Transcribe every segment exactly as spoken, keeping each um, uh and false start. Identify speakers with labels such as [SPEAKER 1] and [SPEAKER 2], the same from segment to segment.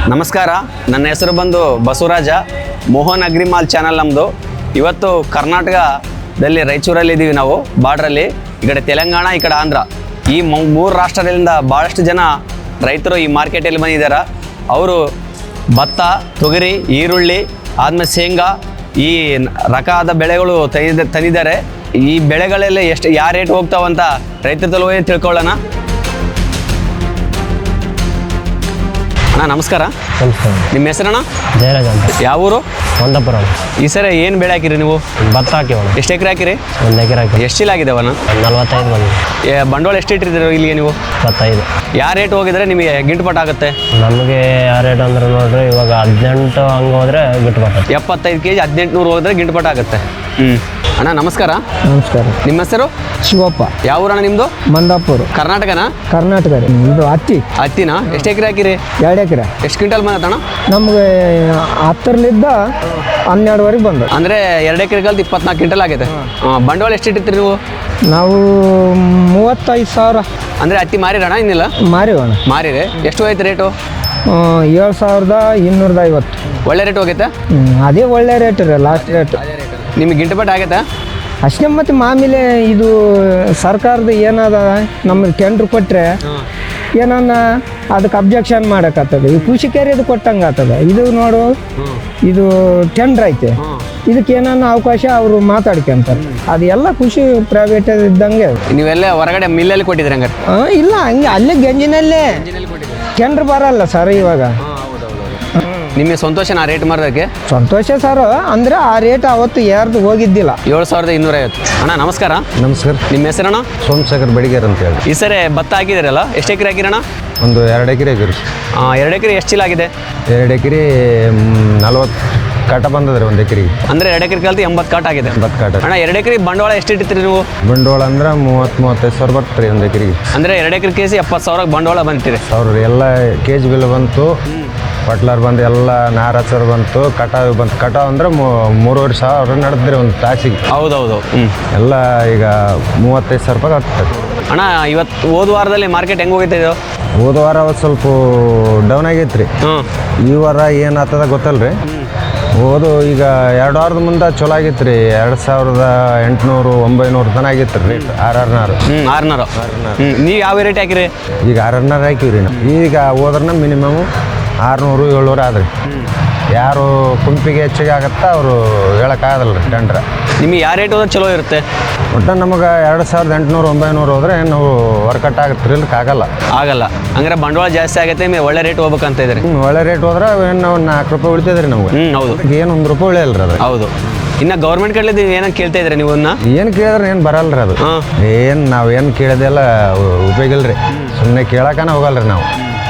[SPEAKER 1] ನಮಸ್ಕಾರ, ನನ್ನ ಹೆಸರು ಬಂದು ಬಸವರಾಜ. ಮೋಹನ್ ಅಗ್ರಿಮಾಲ್ ಚಾನಲ್ ನಮ್ಮದು. ಇವತ್ತು ಕರ್ನಾಟಕದಲ್ಲಿ ರಾಯಚೂರಲ್ಲಿ ಇದ್ದೀವಿ ನಾವು, ಬಾರ್ಡ್ರಲ್ಲಿ. ಈ ಕಡೆ ತೆಲಂಗಾಣ, ಈ ಕಡೆ ಆಂಧ್ರ, ಈ ಮೂರು ರಾಷ್ಟ್ರದಿಂದ ಭಾಳಷ್ಟು ಜನ ರೈತರು ಈ ಮಾರ್ಕೆಟಲ್ಲಿ ಬಂದಿದ್ದಾರೆ. ಅವರು ಭತ್ತ, ತೊಗರಿ, ಈರುಳ್ಳಿ, ಆದಮೇಲೆ ಶೇಂಗಾ, ಈ ರಕಾದ ಬೆಳೆಗಳು ತಂದಿದ್ದ ತಂದಿದ್ದಾರೆ. ಈ ಬೆಳೆಗಳಲ್ಲಿ ಎಷ್ಟು ಯಾವ ರೇಟ್ ಹೋಗ್ತಾವಂತ ರೈತರ ತಲುವಾಗಿ ತಿಳ್ಕೊಳ್ಳೋಣ. ಅಣ್ಣ ನಮಸ್ಕಾರ.
[SPEAKER 2] ನಮಸ್ಕಾರ.
[SPEAKER 1] ನಿಮ್ಮ ಹೆಸರಣ್ಣ?
[SPEAKER 2] ಜಯರಾಜ್ ಅಂತ.
[SPEAKER 1] ಯಾವ ಊರು?
[SPEAKER 2] ಒಂದಾಪುರ.
[SPEAKER 1] ಈ ಸರಿ ಏನು ಬೆಳೆ ಹಾಕಿರಿ ನೀವು?
[SPEAKER 2] ಭತ್ತ ಹಾಕಿವಣ್ಣ.
[SPEAKER 1] ಎಷ್ಟು ಎಕರೆ ಹಾಕಿರಿ?
[SPEAKER 2] ಒಂದು ಎಕರೆ ಹಾಕಿ.
[SPEAKER 1] ಎಷ್ಟು ಚೀಲ ಆಗಿದಾವಣ್ಣ?
[SPEAKER 2] ನಲ್ವತ್ತೈದು ಬಂದು.
[SPEAKER 1] ಬಂಡವಾಳ ಎಷ್ಟು ಇಟ್ಟಿದ್ದೀರಿ ಇಲ್ಲಿಗೆ ನೀವು?
[SPEAKER 2] ಇಪ್ಪತ್ತೈದು.
[SPEAKER 1] ಯಾವ ರೇಟ್ ಹೋಗಿದ್ರೆ ನಿಮಗೆ ಗಿಂಟುಪಟ್ಟು ಆಗುತ್ತೆ?
[SPEAKER 2] ನಮಗೆ ಯಾವ ರೇಟ್ ಅಂದ್ರೆ ನೋಡ್ರಿ, ಇವಾಗ ಹದಿನೆಂಟು ಹಂಗೆ ಹೋದ್ರೆ ಗಿಟ್ಟುಪಟ್ಟು.
[SPEAKER 1] ಎಪ್ಪತ್ತೈದು ಕೆ ಜಿ ಹದಿನೆಂಟು ನೂರು ಹೋದ್ರೆ ಗಿಂಟುಪಟ್ಟು ಆಗುತ್ತೆ. ಹ್ಞೂ ಅಣ್ಣ ನಮಸ್ಕಾರ.
[SPEAKER 3] ನಮಸ್ಕಾರ.
[SPEAKER 1] ನಿಮ್ಮ ಹೆಸರು?
[SPEAKER 3] ಶಿವಪ್ಪ.
[SPEAKER 1] ಯಾವ ಊರಣ್ಣ ನಿಮ್ಮದು?
[SPEAKER 3] ಮಂದಾಪುರ.
[SPEAKER 1] ಕರ್ನಾಟಕನಾ?
[SPEAKER 3] ಕರ್ನಾಟಕ ರೀ. ಇದು ಹತ್ತಿ.
[SPEAKER 1] ಹತ್ತಿನಾ? ಎಷ್ಟು ಎಕರೆ ಹಾಕಿರಿ?
[SPEAKER 3] ಎರಡು ಎಕರೆ.
[SPEAKER 1] ಎಷ್ಟು ಕ್ವಿಂಟಲ್ ಬಂದತ್ತಣ್ಣ?
[SPEAKER 3] ನಮಗೆ ಹತ್ತರಲ್ಲಿದ್ದ ಹನ್ನೆರಡುವರೆಗೆ ಬಂದು.
[SPEAKER 1] ಅಂದರೆ ಎರಡು ಎಕರೆ ಕಲ್ತು ಇಪ್ಪತ್ನಾಲ್ಕು ಕ್ವಿಂಟಲ್ ಆಗಿದೆ. ಬಂಡವಾಳ ಎಷ್ಟು ಇಟ್ಟಿರ್ತೀರಿ ನೀವು?
[SPEAKER 3] ನಾವು ಮೂವತ್ತೈದು ಸಾವಿರ.
[SPEAKER 1] ಅಂದರೆ ಹತ್ತಿ ಮಾರಿರಣ್ಣ? ಇನ್ನಿಲ್ಲ
[SPEAKER 3] ಮಾರಿವಣ್ಣ.
[SPEAKER 1] ಮಾರಿರಿ. ಎಷ್ಟು ಹೋಯ್ತು ರೇಟು?
[SPEAKER 3] ಏಳು ಸಾವಿರದ ಇನ್ನೂರದ ಐವತ್ತು.
[SPEAKER 1] ಒಳ್ಳೆ ರೇಟ್ ಹೋಗೈತೆ?
[SPEAKER 3] ಅದೇ ಒಳ್ಳೆ ರೇಟ್ ರೀ, ಲಾಸ್ಟ್ ರೇಟ್.
[SPEAKER 1] ನಿಮಗೆ ಗಿಂಟುಪಟ್ಟು ಆಗೈತಾ?
[SPEAKER 3] ಅಷ್ಟೇ. ಮತ್ತು ಮಾಮೂಲಿ ಇದು ಸರ್ಕಾರದ ಏನದ, ನಮಗೆ ಟೆಂಡ್ರ್ ಕೊಟ್ಟರೆ ಏನನ್ನ ಅದಕ್ಕೆ ಅಬ್ಜೆಕ್ಷನ್ ಮಾಡೋಕ್ಕಾಗ್ತದೆ. ಈ ಕೃಷಿಕರಿಗೆ ಕೊಟ್ಟಂಗೆ ಆಗ್ತದೆ. ಇದು ನೋಡು, ಇದು ಟೆಂಡ್ರ್ ಐತೆ, ಇದಕ್ಕೆ ಏನನ್ನ ಅವಕಾಶ ಅವರು ಮಾತಾಡ್ಕೊಂತಾರೆ. ಅದು ಎಲ್ಲ ಕೃಷಿ ಪ್ರೈವೇಟ್ ಇದ್ದಂಗೆ.
[SPEAKER 1] ನೀವೆಲ್ಲ ಹೊರಗಡೆ ಮಿಲ್ಲಲ್ಲಿ ಕೊಟ್ಟಿದ್ರಿ ಹಂಗಾರೆ?
[SPEAKER 3] ಹಾಂ, ಇಲ್ಲ, ಹಂಗೆ ಅಲ್ಲೇ ಗಂಜಿನಲ್ಲೇ ಟೆಂಡ್ರ್ ಬರಲ್ಲ ಸರ್ ಇವಾಗ.
[SPEAKER 1] ನಿಮಗೆ ಸಂತೋಷನಾ ರೇಟ್ ಮಾರೋದಕ್ಕೆ?
[SPEAKER 3] ಸಂತೋಷ ಸರ್. ಅಂದರೆ ಆ ರೇಟ್ ಅವತ್ತು ಯಾರ್ದು ಹೋಗಿದ್ದಿಲ್ಲ.
[SPEAKER 1] ಏಳು ಸಾವಿರದ ಇನ್ನೂರೈವತ್ತು. ಅಣ್ಣ ನಮಸ್ಕಾರ.
[SPEAKER 2] ನಮಸ್ಕಾರ.
[SPEAKER 1] ನಿಮ್ಮ ಹೆಸರಣ್ಣ?
[SPEAKER 2] ಸೋಮಶೇಖರ್ ಬಡಿಗೇರ್ ಅಂತ ಹೇಳಿ.
[SPEAKER 1] ಈ ಸರಿ ಭತ್ತ ಹಾಕಿದಿರಲ್ಲ, ಎಷ್ಟು ಎಕರೆ ಹಾಕಿರಣ್ಣ?
[SPEAKER 2] ಒಂದು ಎರಡು ಎಕರೆ ಹಾಕಿರಿ.
[SPEAKER 1] ಎರಡು ಎಕರೆ ಎಷ್ಟು ಚೀಲ ಆಗಿದೆ?
[SPEAKER 2] ಎರಡು ಎಕರೆ ನಲ್ವತ್ತು ಕಾಟ ಬಂದದ್ರಿ ಒಂದು ಎಕರೆಗೆ.
[SPEAKER 1] ಅಂದರೆ ಎರಡು ಎಕರೆ ಕಲ್ತು ಎಂಬತ್ತು ಕಾಟ ಆಗಿದೆ.
[SPEAKER 2] ಎಂಬತ್ತು ಕಾಟ.
[SPEAKER 1] ಅಣ್ಣ ಎರಡು ಎಕರೆ ಬಂಡವಾಳ ಎಷ್ಟು ಇಟ್ಟಿರ್ತೀರಿ ನೀವು?
[SPEAKER 2] ಬಂಡವಾಳ ಅಂದ್ರೆ ಮೂವತ್ತು ಮೂವತ್ತೈದು ಸಾವಿರ ಬರ್ತೀರಿ ಒಂದು ಎಕರೆಗೆ.
[SPEAKER 1] ಅಂದರೆ ಎರಡು ಎಕರೆ ಕೇಸಿ ಎಪ್ಪತ್ತು ಸಾವಿರ ಬಂಡವಾಳ ಬಂತೀರಿ.
[SPEAKER 2] ಸಾವಿರ ಎಲ್ಲ ಕೆ ಜಿ ಬಿಲ್ ಬಂತು, ಪಟ್ಲರ್ ಬಂದು ಎಲ್ಲ ನಾರು ಹಚ್ಚರ್ ಬಂತು, ಕಟಾವು ಬಂತು. ಕಟಾವು ಅಂದ್ರೆ ಮೂರುವರೆ ಸಾವಿರ ನಡೆದ್ರಿ ಒಂದು ತಾಸಿಗೆ.
[SPEAKER 1] ಹೌದೌದು. ಹ್ಞೂ
[SPEAKER 2] ಎಲ್ಲ ಈಗ ಮೂವತ್ತೈದು ಸಾವಿರ ರೂಪಾಯಿ ಆಗ್ತದೆ.
[SPEAKER 1] ಅಣ್ಣ ಇವತ್ತು ಹೋದ ವಾರದಲ್ಲಿ ಮಾರ್ಕೆಟ್ ಹೆಂಗೆ ಹೋಗೈತೆ ಇದು?
[SPEAKER 2] ಹೋದ ವಾರ ಅವತ್ತು ಸ್ವಲ್ಪ ಡೌನ್ ಆಗೈತೆ ರೀ.
[SPEAKER 1] ಹ್ಞೂ
[SPEAKER 2] ಈ ವಾರ ಏನಾಗ್ತದ ಗೊತ್ತಲ್ಲ ರೀ. ಹೋದು ಈಗ ಎರಡು ವಾರದ ಮುಂದೆ ಚಲೋ ಆಗಿತ್ತು ರೀ. ಎರಡು ಸಾವಿರದ ಎಂಟುನೂರು ಒಂಬೈನೂರು ತನಕ ಆಗಿತ್ತು ರೀ ರೇಟ್. ಆರು ಆರುನಾರು. ಹ್ಞೂ
[SPEAKER 1] ಆರುನೂರು. ಹ್ಞೂ ನೀವು ಯಾವ ರೇಟ್ ಹಾಕಿರಿ?
[SPEAKER 2] ಈಗ ಆರು ಆರುನಾರು ಹಾಕಿವಿ ರೀ ನಾವು. ಈಗ ಹೋದ್ರನ್ನ ಮಿನಿಮಮ್ ಆರುನೂರು ಏಳ್ನೂರು ಆದ್ರಿ. ಯಾರು ಕುಂಪಿಗೆ ಹೆಚ್ಚಿಗೆ ಆಗತ್ತಾ ಅವರು ಹೇಳೋಕ್ಕಾಗಲ್ಲ ರೀ ಟೆಂಡ್ರ.
[SPEAKER 1] ನಿಮಗೆ ಯಾವ ರೇಟ್ ಹೋದ್ರೆ ಚಲೋ ಇರುತ್ತೆ?
[SPEAKER 2] ಒಟ್ಟು ನಮಗೆ ಎರಡು ಸಾವಿರದ ಎಂಟುನೂರು ಒಂಬೈನೂರು ಹೋದ್ರೆ ನಾವು ವರ್ಕಟ್ ಆಗುತ್ತೆ ರೀ, ಇಲ್ಲಕ್ಕೆ ಆಗಲ್ಲ.
[SPEAKER 1] ಆಗಲ್ಲ. ಹಂಗಾರೆ ಬಂಡವಾಳ ಜಾಸ್ತಿ ಆಗೈತೆ, ನಿಮಗೆ ಒಳ್ಳೆ ರೇಟ್ ಹೋಗ್ಬೇಕಂತ ಇದ್ರಿ.
[SPEAKER 2] ಹ್ಞೂ, ಒಳ್ಳೆ ರೇಟ್ ಹೋದ್ರೆ ಏನು ನಾವು ನಾಲ್ಕು ರೂಪಾಯಿ ಉಳಿತದೆ ರೀ ನಮ್ಗೆ.
[SPEAKER 1] ಹ್ಞೂ ಹೌದು.
[SPEAKER 2] ಏನು ಒಂದು ರೂಪಾಯಿ ಉಳಿಯಲ್ಲ ರೀ ಅದು.
[SPEAKER 1] ಹೌದು. ಇನ್ನು ಗೌರ್ಮೆಂಟ್ ಕಡೆದು ಏನಂತ ಕೇಳ್ತಾ ಇದ್ರಿ ನೀವು?
[SPEAKER 2] ಏನು ಕೇಳಿದ್ರೆ ಏನು ಬರಲ್ಲ ರೀ ಅದು.
[SPEAKER 1] ಹಾಂ.
[SPEAKER 2] ಏನು ನಾವು ಏನು ಕೇಳಿದೆಲ್ಲ ಉಪಯೋಗ ಇಲ್ಲ ರೀ. ಸುಮ್ಮನೆ ಕೇಳೋಕನ ಹೋಗಲ್ಲ ರೀ ನಾವು.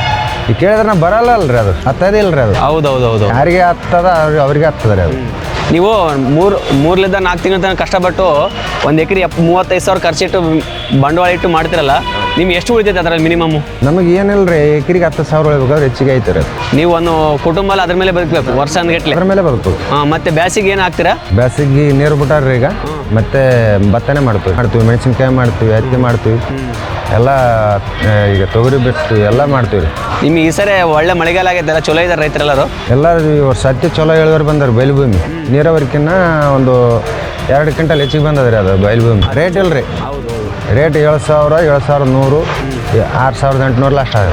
[SPEAKER 2] ಈಗ ಕೇಳಿದ್ರೆ ನಾವು ಬರಲ್ಲ ಅಲ್ರಿ, ಅದು ಹತ್ತದಿಲ್ಲ ರೀ ಅದು.
[SPEAKER 1] ಹೌದು ಹೌದು ಹೌದು.
[SPEAKER 2] ಯಾರಿಗೆ ಹತ್ತದ ಅವ್ರಿಗೆ ಅವ್ರಿಗೆ ಹತ್ತದ ರೀ ಅದು.
[SPEAKER 1] ನೀವು ಮೂರು ಮೂರಲಿಂದ ನಾಲ್ಕು ತಿಂಗಳ ತನಕ ಕಷ್ಟಪಟ್ಟು ಒಂದು ಎಕರೆ ಎಪ್ ಮೂವತ್ತೈದು ಸಾವಿರ ಖರ್ಚಿಟ್ಟು ಬಂಡವಾಳ ಇಟ್ಟು ಮಾಡ್ತಿರಲ್ಲ, ನಿಮ್ಗೆ ಎಷ್ಟು ಉಳಿತೈತೆ ಅದರಲ್ಲಿ ಮಿನಿಮಮ್?
[SPEAKER 2] ನಮಗೆ ಏನಿಲ್ಲ ರೀ, ಎಕರೆಗೆ ಹತ್ತು ಸಾವಿರ ಉಳಿಬೇಕಾದ್ರೆ ಹೆಚ್ಚಿಗೆ ಐತೆ ರೀ.
[SPEAKER 1] ನೀವು ಒಂದು ಕುಟುಂಬ ಅದ್ರ ಮೇಲೆ ಬದುಕಬೇಕು ವರ್ಷ ಅಂದ್ಗಟ್ಲೆ.
[SPEAKER 2] ಅದ್ರ ಮೇಲೆ ಬದುಕು.
[SPEAKER 1] ಹಾಂ. ಮತ್ತೆ ಬ್ಯಾಸಿಗೆ ಏನು ಹಾಕ್ತೀರಾ?
[SPEAKER 2] ಬ್ಯಾಸಿಗೆ ನೀರು ಬಿಟ್ಟಾರ್ರಿ ಈಗ. ಮತ್ತೆ ಭತ್ತನೇ ಮಾಡ್ತೀವಿ ಮಾಡ್ತೀವಿ ಮೆಣಸಿನ್ಕಾಯಿ ಮಾಡ್ತೀವಿ, ಹತ್ತಿ ಮಾಡ್ತೀವಿ, ಎಲ್ಲ ಈಗ ತೊಗರಿ ಬಿಡ್ತೀವಿ, ಎಲ್ಲ ಮಾಡ್ತೀವಿ ರೀ.
[SPEAKER 1] ನಿಮಗೆ ಈ ಸರಿ ಒಳ್ಳೆ ಮಳೆಗಾಲ ಆಗೈತೆ, ಎಲ್ಲ ಚಲೋ ಇದ್ದಾರೆ ರೈತರೆಲ್ಲರೂ?
[SPEAKER 2] ಎಲ್ಲರೂ ಈ ವರ್ಷ ಹತ್ತಿ ಚಲೋ ಇಳುವರಿ ಬಂದಾರೆ. ಬಯಲುಭೂಮಿ ನೀರಾವರಿಕಿನ್ನ ಒಂದು ಎರಡು ಕ್ವಿಂಟಲ್ ಹೆಚ್ಚಿಗೆ ಬಂದದ್ರಿ ಅದು ಬಯಲುಭೂಮಿ. ರೇಟ್ ಇಲ್ಲ ರೀ. ರೇಟ್ ಏಳು ಸಾವಿರ ಏಳು ಸಾವಿರದ ನೂರು ಆರು ಸಾವಿರದ ಎಂಟುನೂರು ಲಾಸ್ಟ್ ಆಗಿದೆ.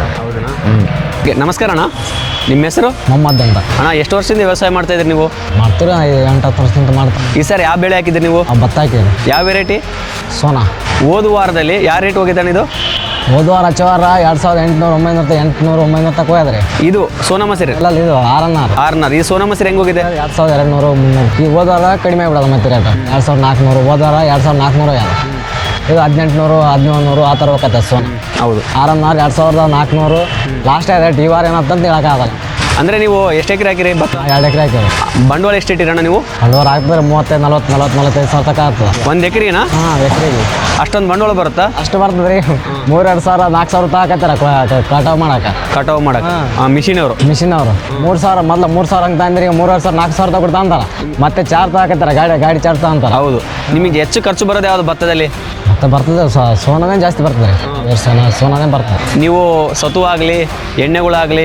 [SPEAKER 1] ಹ್ಞೂ. ನಮಸ್ಕಾರ ಅಣ್ಣ. ನಿಮ್ಮ ಹೆಸರು?
[SPEAKER 4] ಮೊಹಮ್ಮದ್ ಅಂತ.
[SPEAKER 1] ಅಣ್ಣ ಎಷ್ಟು ವರ್ಷದಿಂದ ವ್ಯವಸಾಯ ಮಾಡ್ತಾ ಇದ್ರಿ ನೀವು?
[SPEAKER 4] ಮಾಡ್ತೀರ ಎಂಟು ಹತ್ತು ವರ್ಷದಿಂದ ಮಾಡ್ತಾರೆ.
[SPEAKER 1] ಈ ಸರಿ ಯಾವ ಬೆಳೆ ಹಾಕಿದ್ರಿ ನೀವು?
[SPEAKER 4] ಭತ್ತ ಹಾಕಿರಿ.
[SPEAKER 1] ಯಾವ ವೆರೈಟಿ?
[SPEAKER 4] ಸೋನಾ.
[SPEAKER 1] ಹೋದ ವಾರದಲ್ಲಿ ಯಾವ ರೇಟ್ ಹೋಗಿದ್ದಾನೆ ಇದು?
[SPEAKER 4] ಹೋದ ವಾರ ಹಚ್ಚ ವಾರ ಎರಡು ಸಾವಿರದ ಎಂಟುನೂರು ಒಂಬೈನೂರ ಎಂಟುನೂರು ಒಂಬೈನೂರ ತಕ್ಕ ಹೋಯ್ದ್ರಿ.
[SPEAKER 1] ಇದು ಸೋನಾ ಮಸೂರಿ
[SPEAKER 4] ಇಲ್ಲ, ಇದು ಆರನ್ನಾರು.
[SPEAKER 1] ಆರ್ನಾರ್. ಈ ಸೋನಾ ಮಸೂರಿ ಹೆಂಗೆ ಹೋಗಿದೆ?
[SPEAKER 4] ಎರಡು ಸಾವಿರದ ಎರಡು ನೂರು ಮುನ್ನೂರು. ಈಗ ಹೋದ ವಾರ ಕಡಿಮೆ ಆಗ್ಬಿಡೋದು ಮತ್ತೆ ರೇಟ್. ಎರಡು ಸಾವಿರದ ನಾಲ್ಕುನೂರು ಹೋದ ವಾರ ಎರಡು ಸಾವಿರದ ನಾಲ್ಕುನೂರು ಯಾರು ಇದು ಹದಿನೆಂಟುನೂರು ಹದಿನೇಳು ನೂರು ಆ ಥರ ಹೋಗತ್ತೆ ಸೋನಾ.
[SPEAKER 1] ಹೌದು.
[SPEAKER 4] ಆರನ್ನಾರು ಎರಡು ಸಾವಿರದ ನಾಲ್ಕುನೂರು ಲಾಸ್ಟ್ ರೇಟ್. ಈ ವಾರ ಏನಂತಂತ ಹೇಳೋಕ್ಕಾಗಲ್ಲ.
[SPEAKER 1] ಅಂದರೆ ನೀವು ಎಷ್ಟು ಎಕರೆ ಹಾಕಿರಿ ಭತ್ತ?
[SPEAKER 4] ಎರಡು ಎಕರೆ ಹಾಕಿರಿ.
[SPEAKER 1] ಬಂಡವಾಳ ಎಷ್ಟು ಇಟ್ಟಿರಣ್ಣ ನೀವು?
[SPEAKER 4] ಬಂಡವಾಳ ಹಾಕಿದ್ರೆ ಮೂವತ್ತೈದು ನಲ್ವತ್ತು ನಲ್ವತ್ತು ನಲ್ವತ್ತೈದು ಸಾವಿರ ತನಕ ಆಗ್ತದೆ
[SPEAKER 1] ಒಂದು ಎಕರೆನಾ?
[SPEAKER 4] ಹಾಂ, ಎಕರೆಗೆ
[SPEAKER 1] ಅಷ್ಟೊಂದು ಬಂಡವಾಳ ಬರುತ್ತಾ?
[SPEAKER 4] ಅಷ್ಟು ಬರ್ತದೆ ರೀ. ಮೂರೆರಡು ಸಾವಿರ ನಾಲ್ಕು ಸಾವಿರ ತಗೋಕತ್ತಾರ ಕಟಾವು ಮಾಡಕ್ಕೆ.
[SPEAKER 1] ಕಟಾವು ಮಾಡಕ್ಕೆ ಮಿಷಿನ್ ಅವರು
[SPEAKER 4] ಮಿಷಿನ್ ಅವರು ಮೂರು ಸಾವಿರ ಮೊದಲು ಮೂರು ಸಾವಿರ ಅಂತ ಅಂದ್ರೆ ಈಗ ಮೂರುವರೆ ಸಾವಿರ ನಾಲ್ಕು ಸಾವಿರ ತಗೊಡ್ತಾ ಅಂತಾರೆ. ಮತ್ತೆ ಚಾರ್ಜ್ ತಗೋಕತ್ತಾರ, ಗಾಡಿ ಗಾಡಿ ಚಾರ್ಜ್ ತಗೊಂತಾರೆ.
[SPEAKER 1] ಹೌದು. ನಿಮಗೆ ಹೆಚ್ಚು ಖರ್ಚು ಬರೋದು ಯಾವುದು ಭತ್ತದಲ್ಲಿ?
[SPEAKER 4] ಮತ್ತೆ ಬರ್ತದೆ ಸೋನಾನೇ ಜಾಸ್ತಿ ಬರ್ತದೆ ರೀ. ಸೋನಾ ಸೋನಾನೇ ಬರ್ತದೆ.
[SPEAKER 1] ನೀವು ಸತು ಆಗಲಿ ಎಣ್ಣೆಗಳಾಗಲಿ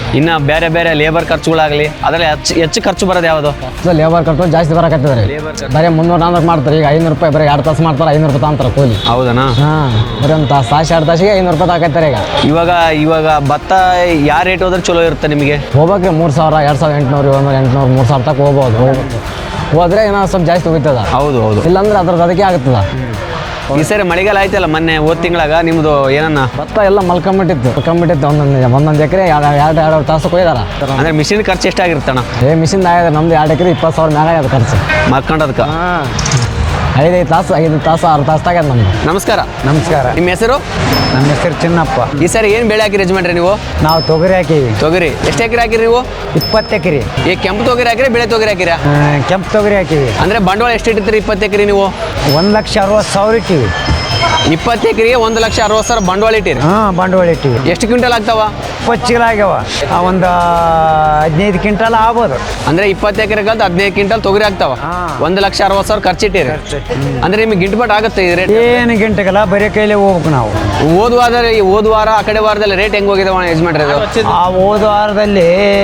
[SPEAKER 1] ಇನ್ನು ಬೇರೆ ಬೇರೆ ಲೇಬರ್ ಖರ್ಚುಗಳಾಗಲಿ ಅದರಲ್ಲಿ ಹೆಚ್ಚು ಹೆಚ್ಚು ಖರ್ಚು ಬರೋದು ಯಾವುದು?
[SPEAKER 4] ಲೇಬರ್ ಖರ್ಚು ಜಾಸ್ತಿ ಬರಕತ್ತಿದ್ದಾರೆ ಬರೀ ಮುನ್ನೂರು ನಾಲ್ಕು ಮಾಡ್ತಾರೆ. ಈಗ ಐನೂರು ರೂಪಾಯಿ ಬರೀ ಎರಡು ತಾಸು ಮಾಡ್ತಾರೆ, ಐನೂರು ರೂಪಾಯಿ ತಗೊಂತಾರೆ ಕೂಲಿ.
[SPEAKER 1] ಹೌದನಾ?
[SPEAKER 4] ಹಾಂ, ಬರೀ ಒಂದು ತಾಸು ತಾಸು ಎರಡು ತಾಸಿಗೆ ಐನೂರು ರೂಪಾಯಿ ತಗೋತಾರೆ ಈಗ.
[SPEAKER 1] ಇವಾಗ ಇವಾಗ ಭತ್ತ ಯಾವ ರೇಟ್ ಹೋದ್ರೆ ಚಲೋ ಇರುತ್ತೆ ನಿಮಗೆ?
[SPEAKER 4] ಹೋಗ್ಬೇಕ್ರಿ ಮೂರು ಸಾವಿರ ಎರಡು ಸಾವಿರ ಎಂಟುನೂರು ಏಳ್ನೂರು ಎಂಟುನೂರು ಮೂರು ಸಾವಿರ ತನಕ ಹೋಗ್ಬೋದು. ಹೋಗ್ಬೇಕು ಹೋದ್ರೆ ಏನೋ ಸ್ವಲ್ಪ ಜಾಸ್ತಿ ಹೋಗ್ತದ.
[SPEAKER 1] ಹೌದು ಹೌದು.
[SPEAKER 4] ಇಲ್ಲಾಂದ್ರೆ ಅದ್ರದ್ದು ಅದಕ್ಕೆ ಆಗ್ತದ.
[SPEAKER 1] ಈ ಸರಿ ಮಳೆಗಾಲ ಆಯ್ತಲ್ಲ ಮೊನ್ನೆ ಹೋದ ತಿಂಗಳಾಗ ನಿಮ್ಮದು ಏನನ್ನ
[SPEAKER 4] ಭತ್ತ ಎಲ್ಲ ಮಲ್ಕೊಂಬಿಟ್ಟಿತ್ತು ಮಲ್ಕೊಂಬಿಟ್ಟಿತ್ತು ಒಂದೊಂದು ಒಂದೊಂದು ಎಕರೆ ಎರಡು ಎರಡು ಎರಡು ತಾಸು ಕೊಯ್ದಾರ.
[SPEAKER 1] ಅಂದ್ರೆ ಮಿಷಿನ್ ಖರ್ಚು ಎಷ್ಟಾಗಿರ್ತಣ?
[SPEAKER 4] ಏ ಮಿಷಿನ್ ಆಗ್ಯದ ನಮ್ದು ಎರಡು ಎಕರೆ ಇಪ್ಪತ್ತು ಸಾವಿರ ಮ್ಯಾಗ ಆಗ್ಯದ ಖರ್ಚು
[SPEAKER 1] ಮಲ್ಕೊಂಡದಕ್ಕೆ.
[SPEAKER 4] ಐದೈದು ತಾಸು ಐದು ತಾಸು ಆರು ತಾಸು ಆಗ್ಯದ ನಮ್ದು.
[SPEAKER 1] ನಮಸ್ಕಾರ.
[SPEAKER 2] ನಮಸ್ಕಾರ.
[SPEAKER 1] ನಿಮ್ಮ ಹೆಸರು?
[SPEAKER 2] ನಮ್ಮ ಹೆಸರು ಚಿನ್ನಪ್ಪ.
[SPEAKER 1] ಈ ಸರಿ ಏನು ಬೆಳೆ ಹಾಕಿರಿ ಯಜಮಾನ್ರಿ ನೀವು?
[SPEAKER 2] ನಾವು ತೊಗರಿ ಹಾಕೀವಿ.
[SPEAKER 1] ತೊಗರಿ ಎಷ್ಟು ಎಕರೆ ಹಾಕಿರಿ ನೀವು?
[SPEAKER 2] ಇಪ್ಪತ್ತು ಎಕರೆ.
[SPEAKER 1] ಈ ಕೆಂಪು ತೊಗರಿ ಹಾಕಿರಿ ಬೆಳೆ ತೊಗರಿ ಹಾಕಿರಾ?
[SPEAKER 2] ಕೆಂಪು ತೊಗರಿ ಹಾಕೀವಿ.
[SPEAKER 1] ಅಂದ್ರೆ ಬಂಡವಾಳ ಎಷ್ಟು ಇಟ್ಟಿರ್ತೀರಿ ಇಪ್ಪತ್ತು ಎಕರೆ ನೀವು?
[SPEAKER 2] ಒಂದು ಲಕ್ಷ ಅರವತ್ತು ಸಾವಿರ ಇಟ್ಟಿವಿ.
[SPEAKER 1] ಇಪ್ಪತ್ತು ಎಕರೆಗೆ ಒಂದು ಲಕ್ಷ ಅರವತ್ತು ಸಾವಿರ ಬಂಡವಾಳ ಇಟ್ಟಿರಿ.
[SPEAKER 2] ಹಾಂ, ಬಂಡವಾಳ ಇಟ್ಟಿವಿ.
[SPEAKER 1] ಎಷ್ಟು ಕ್ವಿಂಟಲ್ ಆಗ್ತಾವ?
[SPEAKER 2] ಇಪ್ಪತ್ತು ಚೀಲ ಆಗ್ಯಾವ. ಒಂದು ಹದಿನೈದು ಕ್ವಿಂಟಲ್ ಆಗ್ಬೋದು.
[SPEAKER 1] ಅಂದ್ರೆ ಇಪ್ಪತ್ತು ಎಕರೆ ಕಲ್ತು ಹದಿನೈದು ಕ್ವಿಂಟಲ್ ತೊಗರಿ ಆಗ್ತಾವ. ಒಂದು ಲಕ್ಷ ಅರವತ್ತು ಸಾವಿರ ಖರ್ಚಿಟ್ಟಿರಿ. ಅಂದ್ರೆ ನಿಮ್ಗೆ ಗಿಟ್ಬಟ್ ಆಗುತ್ತೆ ಈ ರೇಟ್?
[SPEAKER 2] ಏನು ಗಂಟೆಗಲ್ಲ, ಬರೀ ಕೈಲೇ ಹೋಗ್ಬೇಕು ನಾವು.
[SPEAKER 1] ಹೋದ ವಾರದಲ್ಲಿ ಹೋದ ವಾರ ಆ ಕಡೆ ವಾರದಲ್ಲಿ ರೇಟ್ ಹೆಂಗ್ ಹೋಗಿದಾವ ಯಜಮಾನ್ರಿ?
[SPEAKER 2] ಆ ಹೋದ ವಾರದಲ್ಲಿ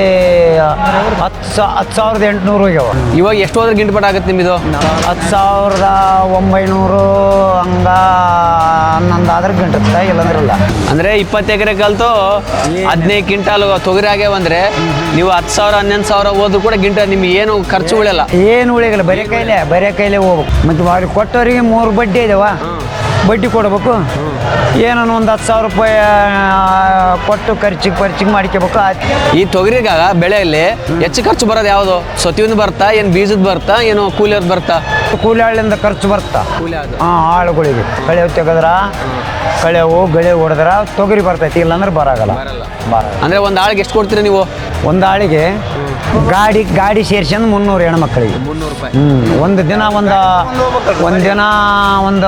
[SPEAKER 2] ಹತ್ತು ಸಾ ಹತ್ತು ಸಾವಿರದ ಎಂಟುನೂರು ಹೋಗ್ಯಾವ.
[SPEAKER 1] ಇವಾಗ ಎಷ್ಟು ಹೋದ್ರೆ ಗಿಟ್ಬಟ್ ಆಗುತ್ತೆ ನಿಮ್ಮದು?
[SPEAKER 2] ಹತ್ತು ಸಾವಿರದ ಒಂಬೈನೂರು ಹಂಗ ಹನ್ನೊಂದು ಆದ್ರೆ ಗಂಟೆ ಇಲ್ಲಂದ್ರಲ್ಲ.
[SPEAKER 1] ಅಂದ್ರೆ ಇಪ್ಪತ್ತು ಎಕರೆ ಕಲ್ತು ಹದಿನೈದು ಕ್ವಿಂಟಾಲ್ ತೊಗರಿ ಆಗ್ಯಾವಂದ್ರೆ ನೀವು ಹತ್ತು ಸಾವಿರ ಹನ್ನೊಂದು ಸಾವಿರ ಹೋದ್ರು ಕೂಡ ಗಿಂಟ ನಿಮ್ಗೆ ಏನು ಖರ್ಚು ಉಳಿಯಲ್ಲ.
[SPEAKER 2] ಏನು ಉಳಿಯಲ್ಲ, ಬರೀ ಕೈಲೇ ಬರೀ ಕೈಲೇ ಹೋಗ್ಬೇಕು. ಮತ್ತು ಅವ್ರಿಗೆ ಕೊಟ್ಟವರಿಗೆ ಮೂರು ಬಡ್ಡಿ ಇದಾವ, ಬಡ್ಡಿ ಕೊಡ್ಬೇಕು. ಏನೋ ಒಂದು ಹತ್ತು ಸಾವಿರ ರೂಪಾಯಿ ಕೊಟ್ಟು ಖರ್ಚಿಗೆ ಖರ್ಚಿಗೆ ಮಾಡ್ಕೋಬೇಕು.
[SPEAKER 1] ಈ ತೊಗರಿಗಾಗ ಬೆಳೆಯಲ್ಲಿ ಹೆಚ್ಚು ಖರ್ಚು ಬರೋದು ಯಾವುದು? ಸೊತ್ತಿನ ಬರ್ತಾ ಏನು ಬೀಜದ ಬರ್ತಾ ಏನು ಕೂಲಿಯವ್ರದ್ದು ಬರ್ತಾ?
[SPEAKER 2] ಕೂಲಿ ಆಳಿಂದ ಖರ್ಚು ಬರ್ತಾ.
[SPEAKER 1] ಕೂಲಿ ಅದು
[SPEAKER 2] ಹಾಂ, ಆಳುಗಳಿಗೆ ಕಳೆ ತೆಗೆದ್ರ ಕಳೆವು ಗಳೆ ಹೊಡೆದ್ರ ತೊಗರಿ ಬರ್ತೈತಿ, ಇಲ್ಲಾಂದ್ರೆ ಬರಾಗಲ್ಲ. ಬರ
[SPEAKER 1] ಅಂದ್ರೆ ಒಂದು ಆಳಿಗೆ ಎಷ್ಟು ಕೊಡ್ತೀರಿ ನೀವು?
[SPEAKER 2] ಒಂದು ಆಳಿಗೆ ಗಾಡಿ ಗಾಡಿ ಸೇರ್ಸಂದು ಮುನ್ನೂರು ಹೆಣ್ಮಕ್ಳಿಗೆ.
[SPEAKER 1] ಮುನ್ನೂರು ರೂಪಾಯಿ.
[SPEAKER 2] ಹ್ಞೂ ಒಂದು ದಿನ ಒಂದು ಒಂದು ದಿನ ಒಂದು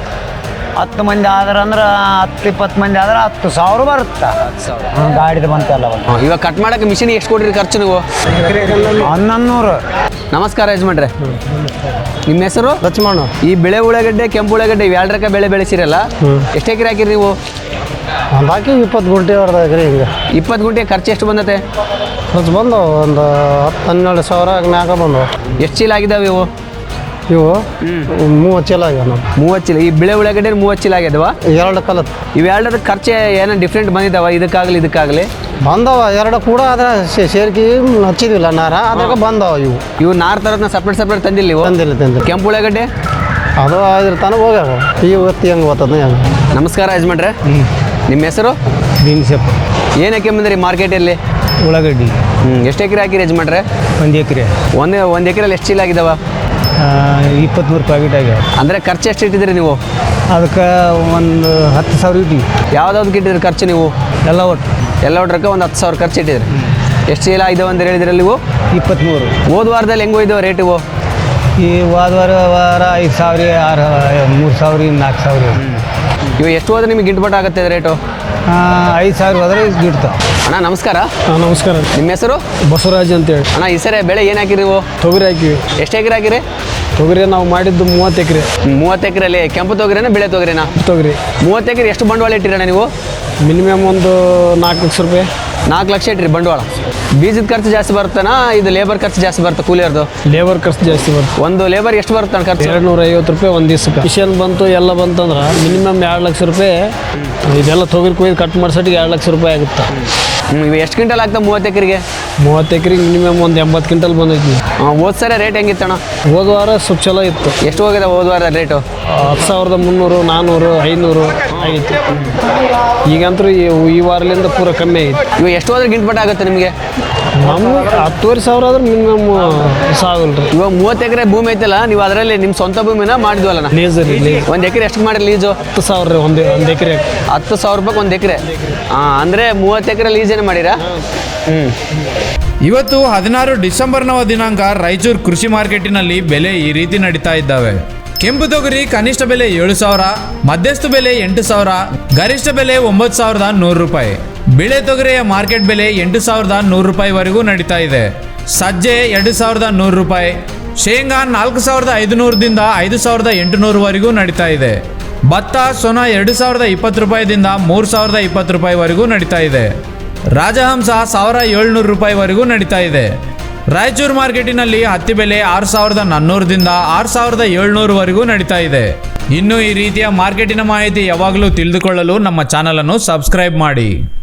[SPEAKER 2] ಹತ್ತು ಮಂದಿ ಆದ್ರೆ ಅಂದ್ರೆ ಹತ್ತು ಇಪ್ಪತ್ತು ಮಂದಿ ಆದ್ರೆ ಹತ್ತು ಸಾವಿರ ಬರುತ್ತೆ. ಗಾಡಿದು ಬಂತಲ್ಲ.
[SPEAKER 1] ಇವಾಗ ಕಟ್ ಮಾಡಕ್ಕೆ ಮಿಷಿನ್ ಎಷ್ಟು ಕೊಡ್ರಿ ಖರ್ಚು ನೀವು?
[SPEAKER 2] ಹನ್ನೊಂದು ನೂರು.
[SPEAKER 1] ನಮಸ್ಕಾರ ಯಜಮಾನ್ರೆ. ನಿಮ್ಮ ಹೆಸರು?
[SPEAKER 3] ಲಕ್ಷ್ಮಣ.
[SPEAKER 1] ಈ ಬೆಳೆ ಉಳ್ಳಾಗಡ್ಡೆ ಕೆಂಪು ಉಳ್ಳಾಗಡ್ಡೆ ಇವು ಎರಡರಕ ಬೆಳೆ ಬೆಳೆಸಿರಲ್ಲ, ಎಷ್ಟು ಎಕರೆ ಹಾಕಿರಿ ನೀವು?
[SPEAKER 3] ಬಾಕಿ ಇಪ್ಪತ್ತು ಗುಂಟೆ ಹೊಡೆದ ಎಕರೆ ಹಿಂಗೆ.
[SPEAKER 1] ಇಪ್ಪತ್ತು ಗುಂಟೆ ಖರ್ಚು ಎಷ್ಟು ಬಂದತೆ?
[SPEAKER 3] ಖರ್ಚು ಬಂದು ಒಂದು ಹತ್ತು ಹನ್ನೆರಡು ಸಾವಿರ ಮ್ಯಾಗ ಬಂದವು.
[SPEAKER 1] ಎಷ್ಟು ಚೀಲ ಆಗಿದಾವೆ ಇವು?
[SPEAKER 3] ಇವು ಮೂವತ್ತು ಚೀಲ ಆಗ್ಯಾವ. ನಾವು
[SPEAKER 1] ಮೂವತ್ತು ಚೀಲ. ಈ ಬೆಳೆ ಉಳ್ಳಾಗಡ್ಡೆ ಮೂವತ್ತು ಚೀಲ ಆಗ್ಯದವ?
[SPEAKER 3] ಎರಡು ಕಲತ್
[SPEAKER 1] ಇವೆರಡರ ಖರ್ಚು ಏನೋ ಡಿಫ್ರೆಂಟ್ ಬಂದಿದ್ದಾವ ಇದಕ್ಕಾಗಲಿ ಇದಕ್ಕಾಗಲಿ?
[SPEAKER 3] ಬಂದವ ಎರಡು ಕೂಡ ಅದ್ರ ಸೇರ್ಕಿ ಹಚ್ಚಿದ್ವಿಲ್ಲ ನಾರ, ಅದ್ರಾಗ ಬಂದವ ಇವು.
[SPEAKER 1] ಇವು ನಾರ್ ತರದ್ನ ಸಪ್ರೇಟ್ ಸಪ್ರೇಟ್ ತಂದಿಲ್ಲ ನೀವು?
[SPEAKER 3] ತಂದಿಲ್ಲ ತಂದಿಲ್ಲ.
[SPEAKER 1] ಕೆಂಪು ಉಳ್ಳಾಗಡ್ಡೆ
[SPEAKER 3] ಅದು ಅದ್ರ ತನಕ ಹೋಗ್ಯಾವ. ಈ ಹೊತ್ತಿ ಹೆಂಗೆ ಓದ್ತದ ಹೆಂಗೆ.
[SPEAKER 1] ನಮಸ್ಕಾರ ಯಜಮಾನ್ರೆ. ನಿಮ್ಮ ಹೆಸರು?
[SPEAKER 3] ಬೀನ್ಸಪ್ಪ.
[SPEAKER 1] ಏನು ಹಾಕಿ ಬಂದ್ರಿ ಮಾರ್ಕೆಟಲ್ಲಿ?
[SPEAKER 3] ಉಳ್ಳಾಗಡ್ಡಿ.
[SPEAKER 1] ಹ್ಞೂ ಎಷ್ಟು ಎಕರೆ ಹಾಕಿರಿ ಯಜಮಾನ್ರೆ?
[SPEAKER 3] ಒಂದು ಎಕರೆ.
[SPEAKER 1] ಒಂದು ಒಂದು ಎಕರೆಲ್ಲಿ ಎಷ್ಟು ಚೀಲ ಆಗಿದಾವ?
[SPEAKER 3] ಇಪ್ಪತ್ತ್ಮೂರು ಪ್ಯಾಕೆಟ್ ಆಗ್ಯಾವ.
[SPEAKER 1] ಅಂದರೆ ಖರ್ಚು ಎಷ್ಟು ಇಟ್ಟಿದ್ದೀರಿ ನೀವು?
[SPEAKER 3] ಅದಕ್ಕೆ ಒಂದು ಹತ್ತು ಸಾವಿರ ಇಟ್ಟಿವಿ.
[SPEAKER 1] ಯಾವ್ದಾವ್ದಕ್ಕೆ ಇಟ್ಟಿದ್ರಿ ಖರ್ಚು ನೀವು?
[SPEAKER 3] ಎಲ್ಲ ಒಟ್ಟು
[SPEAKER 1] ಎಲ್ಲ ಒಟ್ರಕ್ಕೆ ಒಂದು ಹತ್ತು ಸಾವಿರ ಖರ್ಚು ಇಟ್ಟಿದ್ರಿ. ಎಷ್ಟು ಚೀಲ ಇದಾವೆ ಅಂತ ಹೇಳಿದ್ರಲ್ಲಿ ನೀವು?
[SPEAKER 3] ಇಪ್ಪತ್ತ್ಮೂರು.
[SPEAKER 1] ಹೋದ ವಾರದಲ್ಲಿ ಹೆಂಗೆ ಹೋಯ್ದವ ರೇಟ್ ಇವು?
[SPEAKER 3] ಈ ವಾರ ವಾರ ಐದು ಸಾವಿರ ಆರು ಮೂರು ಸಾವಿರ ನಾಲ್ಕು ಸಾವಿರ.
[SPEAKER 1] ಇವು ಎಷ್ಟು ಹೋದ್ರೆ ನಿಮಗೆ ಗಿಟ್ಬಟ್ ಆಗುತ್ತೆ ರೇಟು?
[SPEAKER 3] ಐದು ಸಾವಿರ ಹೋದ್ರೆ ಗಿಡ್ತಾವೆ.
[SPEAKER 1] ಅಣ್ಣ ನಮಸ್ಕಾರ.
[SPEAKER 3] ಹಾಂ ನಮಸ್ಕಾರ.
[SPEAKER 1] ನಿಮ್ಮ ಹೆಸರು?
[SPEAKER 3] ಬಸವರಾಜ್ ಅಂತೇಳಿ.
[SPEAKER 1] ಅಣ್ಣ ಈ ಸರಿ ಬೆಳೆ ಏನು ಹಾಕಿರಿ ನೀವು?
[SPEAKER 3] ತೊಗರಿ ಹಾಕಿವಿ.
[SPEAKER 1] ಎಷ್ಟು ಎಕರೆ ಹಾಕಿರಿ?
[SPEAKER 3] ತೊಗರಿ ನಾವು ಮಾಡಿದ್ದು ಮೂವತ್ತು ಎಕರೆ.
[SPEAKER 1] ಮೂವತ್ತು ಎಕರೆಯಲ್ಲಿ ಕೆಂಪು ತೊಗರಿನ ಬೆಳೆ ತೊಗರಿನ?
[SPEAKER 3] ತೊಗರಿ.
[SPEAKER 1] ಮೂವತ್ತು ಎಕರೆ ಎಷ್ಟು ಬಂಡವಾಳ ಇಟ್ಟಿರಣ್ಣ ನೀವು?
[SPEAKER 3] ಮಿನಿಮಮ್ ಒಂದು ನಾಲ್ಕು ಲಕ್ಷ ರೂಪಾಯಿ.
[SPEAKER 1] ನಾಲ್ಕು ಲಕ್ಷ ಇಟ್ಟಿರಿ ಬಂಡವಾಳ. ಬೀಜದ ಖರ್ಚು ಜಾಸ್ತಿ ಬರುತ್ತಾನ ಇದು ಲೇಬರ್ ಖರ್ಚು ಜಾಸ್ತಿ ಬರುತ್ತೆ ಕೂಲಿಯರ್ದು?
[SPEAKER 3] ಲೇಬರ್ ಖರ್ಚು ಜಾಸ್ತಿ ಬರುತ್ತೆ.
[SPEAKER 1] ಒಂದು ಲೇಬರ್ ಎಷ್ಟು ಬರುತ್ತೆ ಖರ್ಚು?
[SPEAKER 3] ಎರಡು ನೂರ ಐವತ್ತು ರೂಪಾಯಿ ಒಂದು ದಿವ್ಸಕ್ಕೆ. ಮಿಷನ್ ಬಂತು ಎಲ್ಲ ಬಂತಂದ್ರೆ ಮಿನಿಮಮ್ ಎರಡು ಲಕ್ಷ ರೂಪಾಯಿ. ಇದೆಲ್ಲ ತೊಗರಿ ಕೊಯ್ದು ಕಟ್ ಮಾಡ್ಸೋಟಿಗೆ ಎರಡು ಲಕ್ಷ ರೂಪಾಯಿ ಆಗುತ್ತೆ.
[SPEAKER 1] ಹ್ಞೂ ಇವು ಎಷ್ಟು ಕ್ವಿಂಟಲ್ ಆಗ್ತವೆ ಮೂವತ್ತು ಎಕರೆಗೆ?
[SPEAKER 3] ಮೂವತ್ತು ಎಕರೆಗೆ ಮಿನಿಮಮ್ ಒಂದು ಎಂಬತ್ತು ಕ್ವಿಂಟಲ್ ಬಂದೈತಿ.
[SPEAKER 1] ಹೋದ ಸರಿ ರೇಟ್ ಹೆಂಗಿತ್ತಣ್ಣ?
[SPEAKER 3] ಹೋದ ವಾರ ಸ್ವಲ್ಪ ಚಲೋ ಇತ್ತು.
[SPEAKER 1] ಎಷ್ಟು ಹೋಗಿದೆ ಹೋದ ವಾರ ರೇಟು?
[SPEAKER 3] ಹತ್ತು ಸಾವಿರದ ಮುನ್ನೂರು ನಾನ್ನೂರು ಐನೂರು ಆಗಿತ್ತು. ಈಗಂತೂ ಈ ಈ ವಾರಲಿಂದ ಪೂರ ಕಮ್ಮಿ ಆಗಿತ್ತು.
[SPEAKER 1] ಇವು ಎಷ್ಟು ಹೋದ್ರೆ ಗಿಂಟ್ಪಟ್ ಆಗುತ್ತೆ ನಿಮಗೆ?
[SPEAKER 3] ನಮ್ಗೆ ಹತ್ತುವರೆ ಸಾವಿರ ಆದ್ರೆ ಮಿನಿಮಮ್ ಸಾಗಲ್ಲ ರೀ.
[SPEAKER 1] ಇವಾಗ ಮೂವತ್ತು ಎಕರೆ ಭೂಮಿ ಐತಲ್ಲ, ನೀವು ಅದರಲ್ಲಿ ನಿಮ್ಮ ಸ್ವಂತ ಭೂಮಿನ ಮಾಡಿದ್ವಲ್ಲ?
[SPEAKER 3] ಲೀಸ್ ರೀ. ಲೀಸ್
[SPEAKER 1] ಒಂದು ಎಕರೆ ಎಷ್ಟು ಮಾಡಿ ಲೀಜು?
[SPEAKER 3] ಹತ್ತು ಸಾವಿರ ರೀ ಒಂದು ಒಂದು ಎಕರೆ.
[SPEAKER 1] ಹತ್ತು ಸಾವಿರ ರೂಪಾಯಿ ಒಂದು ಎಕರೆ. ಹಾಂ ಅಂದರೆ ಮೂವತ್ತು ಎಕರೆ ಲೀಸೇನು ಮಾಡಿರಾ? ಹ್ಞೂ.
[SPEAKER 5] ಇವತ್ತು ಹದಿನಾರು ಡಿಸೆಂಬರ್ನವ ದಿನಾಂಕ ರಾಯಚೂರು ಕೃಷಿ ಮಾರ್ಕೆಟಿನಲ್ಲಿ ಬೆಲೆ ಈ ರೀತಿ ನಡೀತಾ ಇದ್ದಾವೆ. ಕೆಂಪು ತೊಗರಿ ಕನಿಷ್ಠ ಬೆಲೆ ಏಳು ಸಾವಿರ, ಮಧ್ಯಸ್ಥ ಬೆಲೆ ಎಂಟು ಸಾವಿರ, ಗರಿಷ್ಠ ಬೆಲೆ ಒಂಬತ್ತು ಸಾವಿರದ ನೂರು ರೂಪಾಯಿ. ಬಿಳೆ ತೊಗರಿಯ ಮಾರ್ಕೆಟ್ ಬೆಲೆ ಎಂಟು ಸಾವಿರದ ನೂರು ರೂಪಾಯಿವರೆಗೂ ನಡೀತಾ ಇದೆ. ಸಜ್ಜೆ ಎರಡು ಸಾವಿರದ ನೂರು ರೂಪಾಯಿ, ಶೇಂಗಾ ನಾಲ್ಕು ಸಾವಿರದ ಐದುನೂರದಿಂದ ಐದು ಸಾವಿರದ ಎಂಟುನೂರವರೆಗೂ ನಡೀತಾ ಇದೆ. ಭತ್ತ ಸೊನ ಎರಡು ಸಾವಿರದ ಇಪ್ಪತ್ತು ರೂಪಾಯಿದಿಂದ ಮೂರು ಸಾವಿರದ ಇಪ್ಪತ್ತು ರೂಪಾಯಿವರೆಗೂ ನಡೀತಾ ಇದೆ. ರಾಜಹಂಸ ಸಾವಿರ ಏಳ್ನೂರು ರೂಪಾಯಿವರೆಗೂ ನಡೀತಾ ಇದೆ. ರಾಯಚೂರು ಮಾರ್ಕೆಟಿನಲ್ಲಿ ಹತ್ತಿ ಬೆಲೆ ಆರು ಸಾವಿರದ ನಾನ್ನೂರದಿಂದ ಆರು ಸಾವಿರದ ಏಳ್ನೂರವರೆಗೂ ನಡೀತಾ ಇದೆ. ಇನ್ನು ಈ ರೀತಿಯ ಮಾರ್ಕೆಟಿನ ಮಾಹಿತಿ ಯಾವಾಗಲೂ ತಿಳಿದುಕೊಳ್ಳಲು ನಮ್ಮ ಚಾನಲನ್ನು ಸಬ್ಸ್ಕ್ರೈಬ್ ಮಾಡಿ.